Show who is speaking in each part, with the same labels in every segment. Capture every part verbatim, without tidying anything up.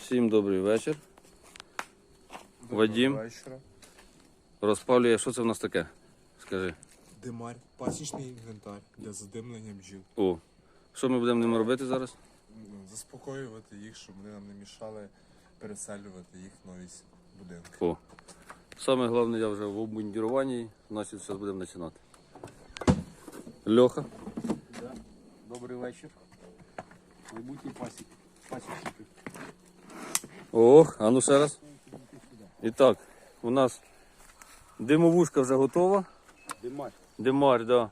Speaker 1: Всім добрий вечір. Вадим
Speaker 2: Вечора.
Speaker 1: розпалює, що це в нас таке? Скажи.
Speaker 2: Димар, пасічний інвентар для задимлення бджіл.
Speaker 1: О, що ми будемо ними робити зараз?
Speaker 2: Ну, Заспокоювати їх, щоб вони нам не мішали переселювати їх в нові будинки.
Speaker 1: О, саме головне, я вже в обмундіруванні, значить зараз будемо починати. Льоха.
Speaker 3: Да. Добрий вечір. Майбутні пасік. Пасічники.
Speaker 1: Ох, а ну ще раз. І так, у нас димовушка вже готова.
Speaker 3: Димар.
Speaker 1: Димар, да.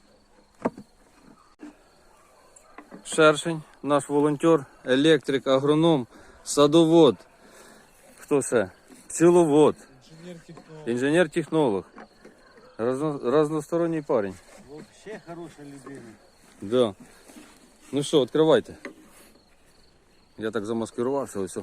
Speaker 1: Шершень, наш волонтер, електрик, агроном, садовод. Хто ще? Пчеловод,
Speaker 2: Інженер-технолог.
Speaker 1: інженер-технолог. Разно, разносторонній парень.
Speaker 3: Вообще хороша людина.
Speaker 1: Да. Ну що, відкривайте. Я так замаскирувався, ось.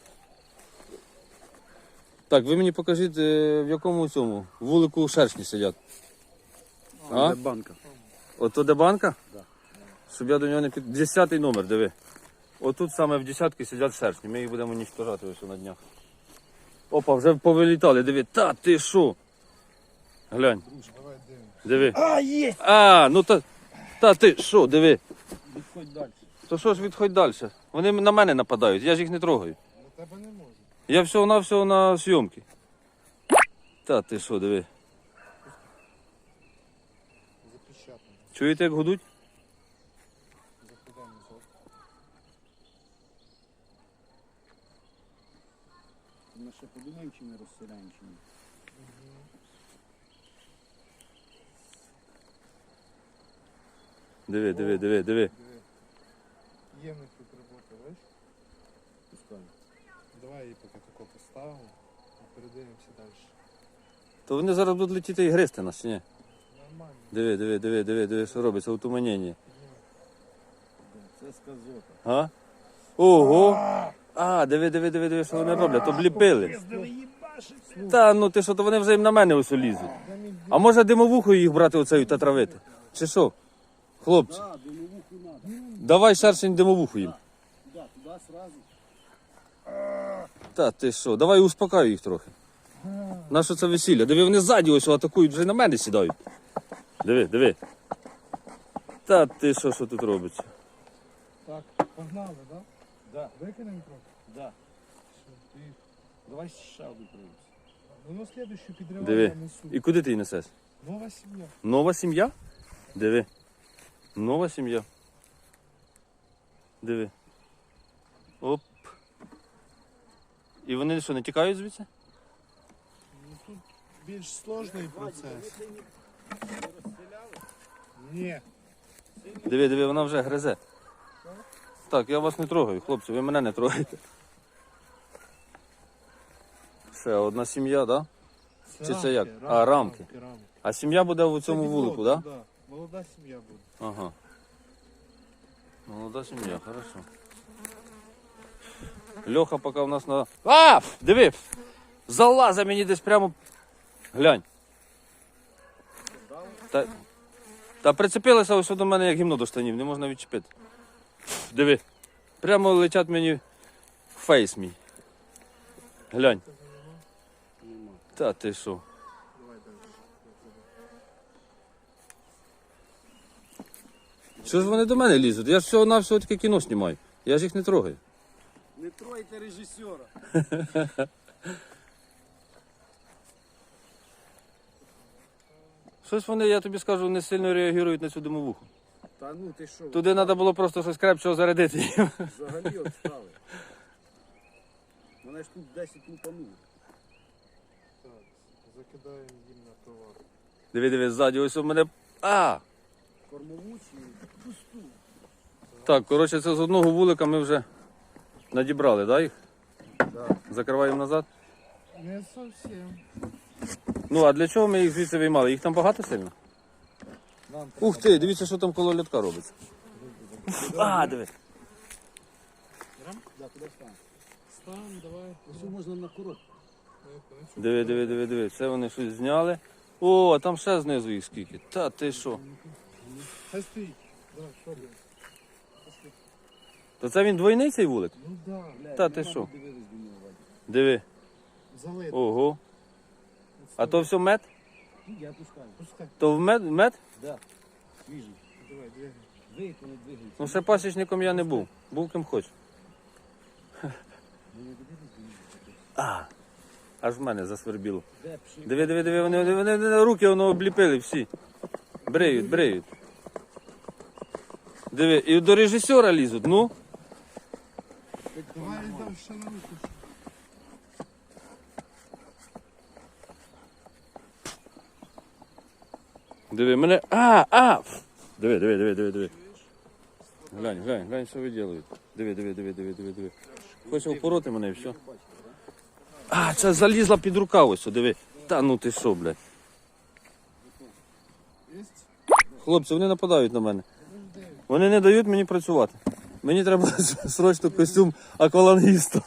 Speaker 1: Так, ви мені покажіть, е, в якому цьому вулику шершні сидять. А?
Speaker 3: Де банка?
Speaker 1: Ото де банка?
Speaker 3: Да.
Speaker 1: Щоб я до нього не під... Десятий номер, диви. Отут саме в десятки сидять шершні. Ми їх будемо уніштожати ось на днях. Опа, вже повилітали, диви. Та ти що? Глянь.
Speaker 2: Давай дивимось.
Speaker 1: Диви.
Speaker 3: А, є!
Speaker 1: А, ну та, та ти що, диви.
Speaker 3: Відходь далі.
Speaker 1: То що ж відходь далі? Вони на мене нападають, я ж їх не трогаю.
Speaker 2: На тебе не можу.
Speaker 1: Я всього-навсього на зйомки. Та ти що, диви.
Speaker 2: Запечатано.
Speaker 1: Чуєте, як гудуть?
Speaker 2: Закидаємо назад.
Speaker 3: Ми ще подумаємо, чи ми розселяємо, чи ні.
Speaker 1: Диви, диви, диви, диви.
Speaker 2: Диви. Є в них тут робота, бачиш?
Speaker 3: Пускай.
Speaker 2: Давай її поки тако поставимо і передивимося далі.
Speaker 1: То вони зараз будуть летіти і гризти нас, чи ні?
Speaker 2: Нормально.
Speaker 1: Диви, диви, диви, диви, диви, що робиться, утуманення.
Speaker 3: Це сказота.
Speaker 1: А? Ого! А, диви, диви, диви, диви, що вони роблять, обліпили. Та ну ти що, то вони вже їм на мене ось лізуть. А може димовухою їх брати оцею та травити? Чи що? Хлопці,
Speaker 3: Да, димовуху надо.
Speaker 1: давай шершень димовуху їм.
Speaker 3: Туди, туди сразу.
Speaker 1: Та ти що, давай успокаю їх трохи. Нащо це весілля? Диви, вони ззаді ось атакують, вже на мене сідають. Диви, диви. Та ти що, що тут робиться?
Speaker 2: Так, погнали, так? Да?
Speaker 3: Да,
Speaker 2: Викинемо трохи.
Speaker 3: да.
Speaker 2: Все, ти...
Speaker 3: Давай ще одну привезти.
Speaker 2: Ну, слідущу підриваємо
Speaker 1: Диви.
Speaker 2: я несу.
Speaker 1: І куди ти її несеш?
Speaker 2: Нова сім'я.
Speaker 1: Нова сім'я? Диви. Нова сім'я. Диви. Оп. І вони що, не тікають звідси?
Speaker 2: Ну, тут більш сложний процес. Ні.
Speaker 1: Диви, диви, вона вже гризе. Так, я вас не трогаю, хлопці, ви мене не трогаєте. Ще одна сім'я, так? Да? Чи це як? А, рамки.
Speaker 2: рамки.
Speaker 1: А сім'я буде в
Speaker 2: Це
Speaker 1: цьому
Speaker 2: відвод,
Speaker 1: вулику, так? Да?
Speaker 2: Да. Молода сім'я буде.
Speaker 1: Ага. Молода сім'я, хорошо. Льоха поки у нас на... А! Диви! Залаза мені десь прямо... Глянь. Та, та прицепилася ось до мене як гімно до штанів, не можна відчепити. Диви. Прямо летять мені в фейс мій. Глянь.
Speaker 3: Нема.
Speaker 1: Та ти що?
Speaker 2: Давай далі.
Speaker 1: Що ж вони до мене лізуть? Я ж всього-навсього таке кіно знімаю. Я ж їх не трогаю.
Speaker 3: Не тройте режисера.
Speaker 1: Щось вони, я тобі скажу, не сильно реагують на цю димовуху.
Speaker 3: Та ну ти що?
Speaker 1: Туди треба було просто щось крепчого зарядити.
Speaker 3: Взагалі отстали. Мене ж тут десять лупануло.
Speaker 2: Так, закидаємо їм на товар.
Speaker 1: Диви, диви, ззаді, ось у мене. А!
Speaker 3: Кормову чи пусту.
Speaker 1: Так, коротше, це з одного вулика ми вже надібрали, да, їх?
Speaker 3: Да.
Speaker 1: Закриваємо назад.
Speaker 2: Не зовсім.
Speaker 1: Ну, а для чого ми їх звідси виймали? Їх там багато сильно?
Speaker 3: Нам
Speaker 1: Ух ти, дивіться, що там коло льотка робиться. А, диви.
Speaker 3: Да, куди стане?
Speaker 2: Стан, давай.
Speaker 3: Ось можна на курок.
Speaker 1: Диви, диви, диви, диви. Це вони щось зняли. О, а там ще знизу їх скільки. Та ти що?
Speaker 2: Хай стоїть. Давай, що робимо?
Speaker 1: То це він двойний цей вулик?
Speaker 3: Ну да.
Speaker 1: Та ти що?
Speaker 3: Дивились до нього, Вадик.
Speaker 1: Диви.
Speaker 3: Залито.
Speaker 1: Ого. А то все мед?
Speaker 3: Ну, я пускаю. Пускай.
Speaker 1: То в мед? мед?
Speaker 3: Да. Свіжий. Давай, двигай. Двигай, не двигається.
Speaker 1: Ну ще пасічником я не був. Був ким хоч. А, аж в мене засвербіло.
Speaker 3: Де пшик?
Speaker 1: Диви, диви, диви, вони, вони, вони, вони руки воно обліпили всі. Бреють, бреють. Диви, і до режисера лізуть, ну.
Speaker 2: Давай йдемо ще на руку.
Speaker 1: Диви, мене. А, а! Диви, диви, диви, диви, диви. Глянь, глянь, глянь, що виділають. Диви, диви, диви, диви, диви, диви. Хоче впороти мене і все. А, це залізла під рукав ось, диви. Та ну ти що, блядь. Хлопці, вони нападають на мене. Вони не дають мені працювати. Мені треба срочно костюм аквалангіста.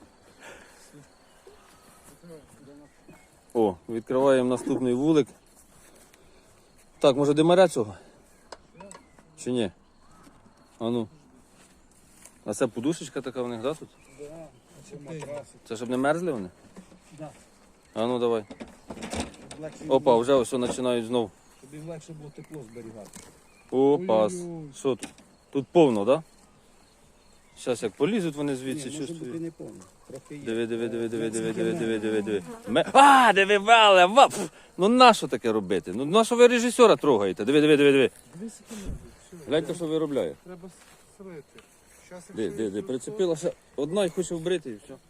Speaker 1: О, відкриваємо наступний вулик. Так, може димаря цього? Чи ні? А ну. А це подушечка така в них, да, тут?
Speaker 3: Да. Це матрас.
Speaker 1: Це щоб не мерзли вони?
Speaker 3: Да.
Speaker 1: А ну давай.
Speaker 3: Легше
Speaker 1: Опа, вже ось починають знов.
Speaker 3: Щоб їм легше було тепло зберігати.
Speaker 1: Опа.
Speaker 3: Ой-ой-ой.
Speaker 1: Що тут? Тут повно, так? Да? Зараз як полізуть вони звідси,
Speaker 3: Ні, може бути
Speaker 1: чувствую.
Speaker 3: не повно. Трохи є.
Speaker 1: Диви, диви, диви, диви, диви, диви, диви, диви, диви. Ме- А, диви, вале, ва, пф. Ну нащо таке робити? Ну нащо ви режисера трогаєте? Диви, диви, диви, диви.
Speaker 2: Дві секунди. Все.
Speaker 1: Гляньте, що виробляє.
Speaker 2: Треба слити. Щас,
Speaker 1: Де,
Speaker 2: якщо
Speaker 1: де, де, прицепилася одна і хоче вбрити і все.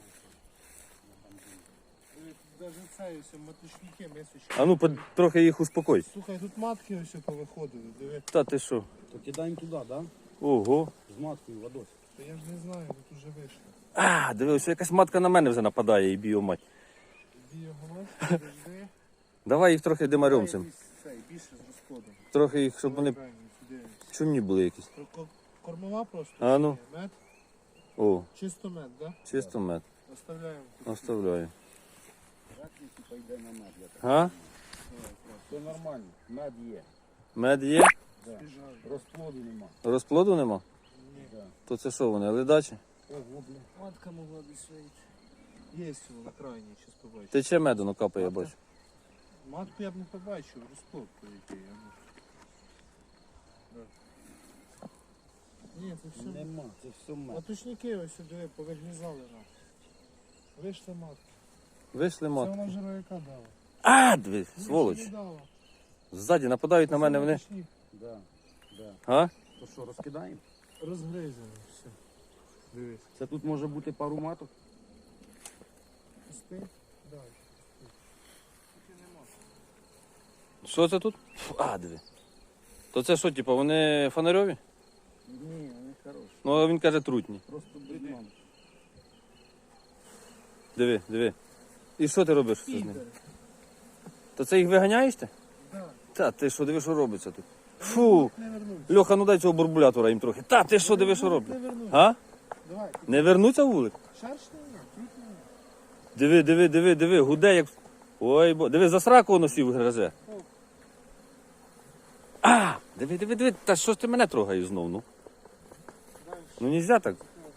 Speaker 2: Навіть це ось маточники мисочки.
Speaker 1: А ну, по- трохи їх успокой.
Speaker 2: Слухай, тут матки ось повиходили, диви.
Speaker 1: Та ти що?
Speaker 3: То кидаємо туди, да?
Speaker 1: Ого.
Speaker 3: З маткою водою.
Speaker 2: Та я ж не знаю, тут уже вийшло.
Speaker 1: А, диви, ось якась матка на мене вже нападає і б'є мать.
Speaker 2: Біоголос, подожди.
Speaker 1: Давай їх трохи димарем цим.
Speaker 2: Цей, більше з розходом.
Speaker 1: Трохи їх, щоб вони
Speaker 2: Правильно, сюди.
Speaker 1: чумні були якісь.
Speaker 2: Ко- Кормова просто?
Speaker 1: А ну.
Speaker 2: Чи ні? Мед?
Speaker 1: О,
Speaker 2: Чисто мед, да?
Speaker 1: чисто мед.
Speaker 2: Оставляємо.
Speaker 1: Оставляю.
Speaker 3: Жакні, типа, йде на мед. я так.
Speaker 1: А?
Speaker 3: Все нормально. Мед є.
Speaker 1: Мед є?
Speaker 3: Да. Розплоду нема.
Speaker 1: Розплоду нема?
Speaker 3: Да.
Speaker 1: То це що вони, ледачі?
Speaker 3: Ого, бля.
Speaker 2: Матка могла десь вийти. Є цього на крайній, щас побачу.
Speaker 1: Тече меду, ну капає, я бачу.
Speaker 2: Матку я б не побачив, розплод по який. а ну. Да. Ні, це все.
Speaker 3: Нема, це все мед.
Speaker 2: Маточники ось сюди повиглізали нам. Вийшли матки.
Speaker 1: Вийшли
Speaker 2: Це
Speaker 1: мат.
Speaker 2: вона жировика дала.
Speaker 1: А, диви, сволоч.
Speaker 2: Більше не дала.
Speaker 1: Ззаді нападають на мене вони.
Speaker 2: Маточник
Speaker 3: Да. Да.
Speaker 1: А?
Speaker 3: То що, розкидаємо?
Speaker 2: розгризаний, все. Дивись.
Speaker 3: Це тут може бути пару маток.
Speaker 2: Пусти. Далі. Тільки нема.
Speaker 1: Що це тут? Фу, а, диви. То це що, типу, вони фонарьові?
Speaker 3: Ні, вони хороші.
Speaker 1: Ну, а він каже трутні.
Speaker 3: Просто брудном.
Speaker 1: Диви, диви. І що ти робиш з ними? То це їх виганяєш ти?
Speaker 2: Да.
Speaker 1: Та ти що, диви, що робиться тут? Фу.
Speaker 2: Не вернуться.
Speaker 1: Льоха, ну дай цього бурбулятора їм трохи. Та ти що, диви, що
Speaker 2: Не
Speaker 1: роблять?
Speaker 2: вернуться.
Speaker 1: А?
Speaker 2: Давай.
Speaker 1: Не вернуться в вулик?
Speaker 2: Шершня ні, тут ні.
Speaker 1: Диви, диви, диви, диви, гуде як. Ой, бо. Диви, за сраку воно сів гризе. А! Диви, диви, диви, та що ж ти мене трогаєш знов, ну? Ну нельзя так.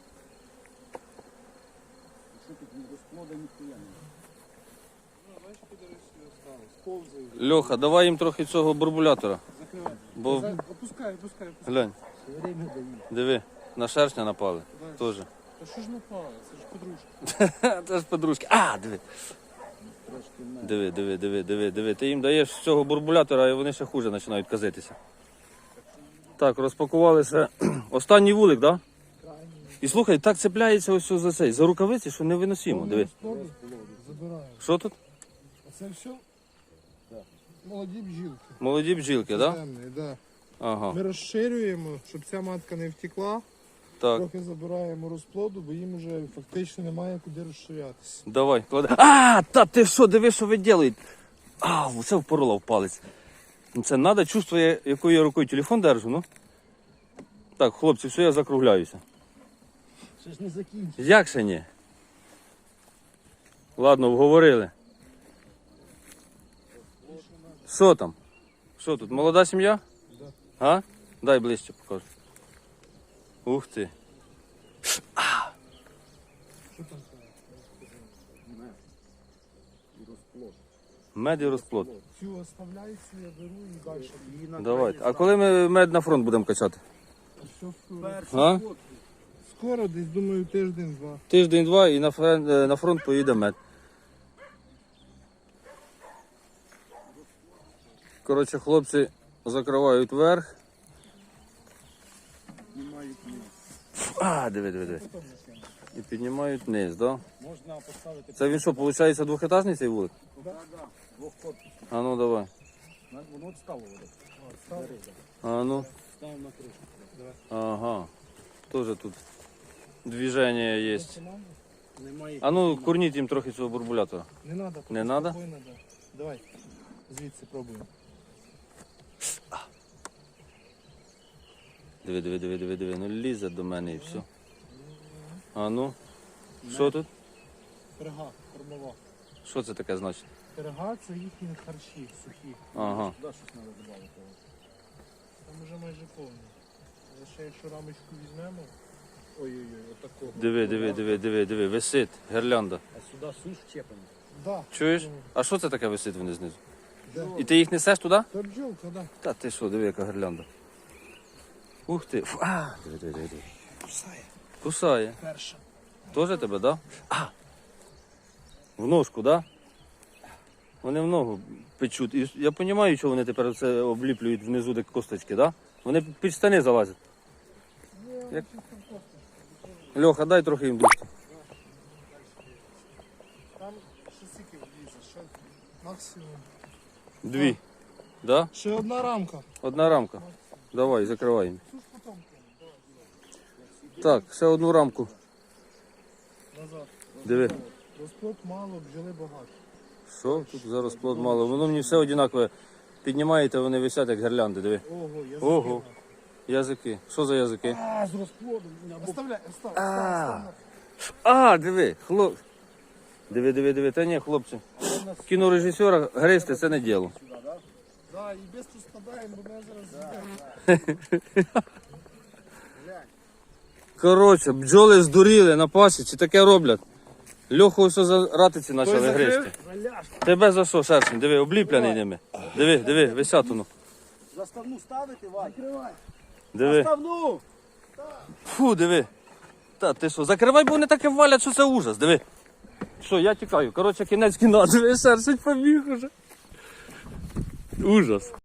Speaker 3: Що тут не розплода ніхуя немає.
Speaker 2: Ну, бачиш, підари собі остались. Повзають.
Speaker 1: Льоха, давай їм трохи цього бурбулятора.
Speaker 2: Закривай.
Speaker 1: Бо
Speaker 2: За- Опускай, опускай, опускай.
Speaker 1: глянь,
Speaker 3: Все время дають.
Speaker 1: диви, на шершня напали.
Speaker 2: Дай.
Speaker 1: Теж.
Speaker 2: Та що ж напало? Це ж подружка.
Speaker 1: Це ж подружки. А, диви.
Speaker 3: Трошки мед.
Speaker 1: Диви, диви, диви, диви, диви. Ти їм даєш цього бурбулятора, і вони ще хуже починають казитися. Так, розпакувалися. Останній вулик, так? Да? І слухай, так цепляється ось за цей, за рукавиці, що невиносимо. Диви.
Speaker 2: Розплоду забираємо.
Speaker 1: Що тут?
Speaker 2: А це все? Молоді бджілки.
Speaker 1: Молоді бджілки, так? Да?
Speaker 2: Темний, да.
Speaker 1: Ага.
Speaker 2: Ми розширюємо, щоб ця матка не втекла.
Speaker 1: Так,
Speaker 2: Трохи забираємо розплоду, бо їм вже фактично немає куди розширятися.
Speaker 1: давай, клади. А, та ти що, диви, що ви робите? А, це впорола в палець. Ну, це треба, чувствує, якою я рукою телефон держу, ну. Так, хлопці, все, я закругляюся.
Speaker 3: Ще ж не закінчив.
Speaker 1: Як ще ні? Ладно, вговорили. Що там? Що тут, молода сім'я?
Speaker 2: Да.
Speaker 1: А? Дай ближче покажу. Ух ти. Мед і розплод.
Speaker 2: Цю оставляю, цю я беру і далі.
Speaker 3: Її на
Speaker 1: Давайте.
Speaker 3: крайній
Speaker 1: А коли ми мед на фронт будемо качати?
Speaker 2: Все скоро.
Speaker 3: Перший
Speaker 1: А?
Speaker 3: ход.
Speaker 2: Скоро, десь, думаю, тиждень-два.
Speaker 1: Тиждень-два і на фронт, на фронт поїде мед. Коротше, хлопці закривають верх.
Speaker 3: Знімають низ.
Speaker 1: А, диви, диви, диви. І піднімають вниз, да?
Speaker 3: Можна поставити
Speaker 1: Це він що, виходить, двохетажний цей вулик?
Speaker 3: да, да, двох корпусів.
Speaker 1: А ну давай.
Speaker 3: На- Воно от стало воно.
Speaker 2: Ставлю.
Speaker 1: А ну.
Speaker 3: Ставимо на кришку.
Speaker 1: Ага. Тоже тут движення є.
Speaker 3: Немає.
Speaker 1: А ну, курніть їм трохи цього бурбулятора.
Speaker 2: Не треба.
Speaker 1: Не надо?
Speaker 2: Спокійно, да. Давай. Звідси пробуємо.
Speaker 1: Диви, диви, диви, диви, диви. Ну лізе до мене і все. А ну. Що тут?
Speaker 2: Пирога, кормова.
Speaker 1: Що це таке значить?
Speaker 2: Пирога це їхні харчі сухі.
Speaker 1: Ага.
Speaker 3: Туди щось треба додати.
Speaker 2: Там вже майже повні. Але ще якщо рамочку візьмемо.
Speaker 3: Ой-ой-ой, отако.
Speaker 1: Диви, диви, диви, диви, диви. Висить гірлянда.
Speaker 3: А сюди суш чепимо.
Speaker 2: Да.
Speaker 1: Чуєш? А що це таке висить вони знизу?
Speaker 2: Де?
Speaker 1: І ти їх несеш туди?
Speaker 2: Це бджолка, да.
Speaker 1: Та ти що, диви, яка гірлянда. Ух ти. Фу, а, диви, диви, диви. диви.
Speaker 2: Кусає.
Speaker 1: Кусає.
Speaker 2: Перша.
Speaker 1: Тоже тебе, да? А! В ножку, да? Вони в ногу печуть. І я розумію, що вони тепер це обліплюють внизу де косточки, да? Вони під штани залазять. Як... Льоха, дай трохи їм душки.
Speaker 2: Там ще скільки влізе, ще максимум.
Speaker 1: Дві. Да?
Speaker 2: Ще одна рамка.
Speaker 1: Одна рамка. Давай, закривай їм.
Speaker 2: Суш потім.
Speaker 1: Так, ще одну рамку.
Speaker 2: Назад.
Speaker 1: Диви.
Speaker 2: Розплод мало, бджоли багато.
Speaker 1: Що? Тут зараз плод мало. Воно мені все однакове. Піднімаєте, вони висять як гірлянди, диви.
Speaker 2: Ого, я
Speaker 1: Ого. Язики. Що за язики?
Speaker 3: А, з розплодом. Або
Speaker 2: Оставляй, остав,
Speaker 1: А.
Speaker 2: остав,
Speaker 1: А, диви, хлоп. Диви, диви, диви. Та ні, хлопці. Кінорежисера гристи це не діло.
Speaker 3: сюди, да?
Speaker 2: Да, і без тут складаємо, бо мене зараз з'їде.
Speaker 1: Коротше, бджоли здуріли на пасіці, таке роблять. Льоху все за ратиці почали
Speaker 2: закрив?
Speaker 1: гризти.
Speaker 3: Заляж.
Speaker 1: Тебе за що, шершень? Диви, обліплений ними. Диви, диви, висять воно.
Speaker 3: Заставну ставити, Вань. Закривай.
Speaker 1: Диви.
Speaker 3: Заставну.
Speaker 1: Фу, диви. Та ти що, закривай, бо вони таке валять, що це ужас, диви. Що, я тікаю. Коротше, кінець кіна, диви, шершень побіг уже. Ужас.